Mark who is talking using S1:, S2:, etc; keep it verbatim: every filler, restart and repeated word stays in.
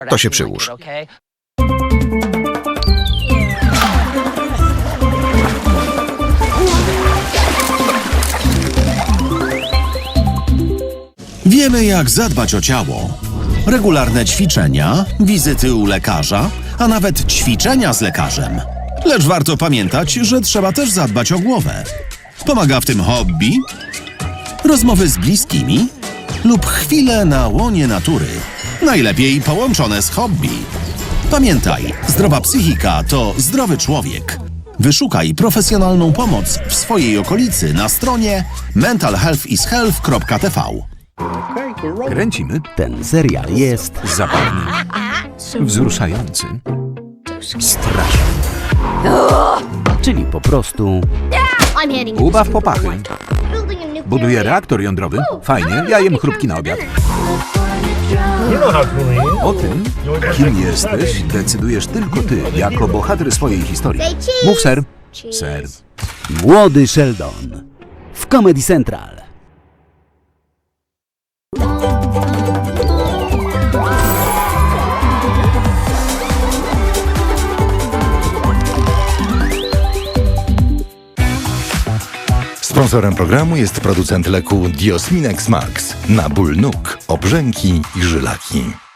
S1: To się przyłóż.
S2: Wiemy, jak zadbać o ciało. Regularne ćwiczenia, wizyty u lekarza, a nawet ćwiczenia z lekarzem. Lecz warto pamiętać, że trzeba też zadbać o głowę. Pomaga w tym hobby, rozmowy z bliskimi lub chwile na łonie natury. Najlepiej połączone z hobby. Pamiętaj, zdrowa psychika to zdrowy człowiek. Wyszukaj profesjonalną pomoc w swojej okolicy na stronie mental health is health kropka t v.
S3: Kręcimy.
S4: Ten serial jest
S3: Zabawny. Wzruszający. Straszny.
S4: czyli po prostu
S3: Ubaw popachy. Buduję reaktor jądrowy. Fajnie, ja jem chrupki na obiad. O tym, kim jesteś, decydujesz tylko ty, jako bohater swojej historii. Mów ser. Ser.
S4: Młody Sheldon w Comedy Central.
S1: Sponsorem programu jest producent leku Diosminex Max na ból nóg, obrzęki i żylaki.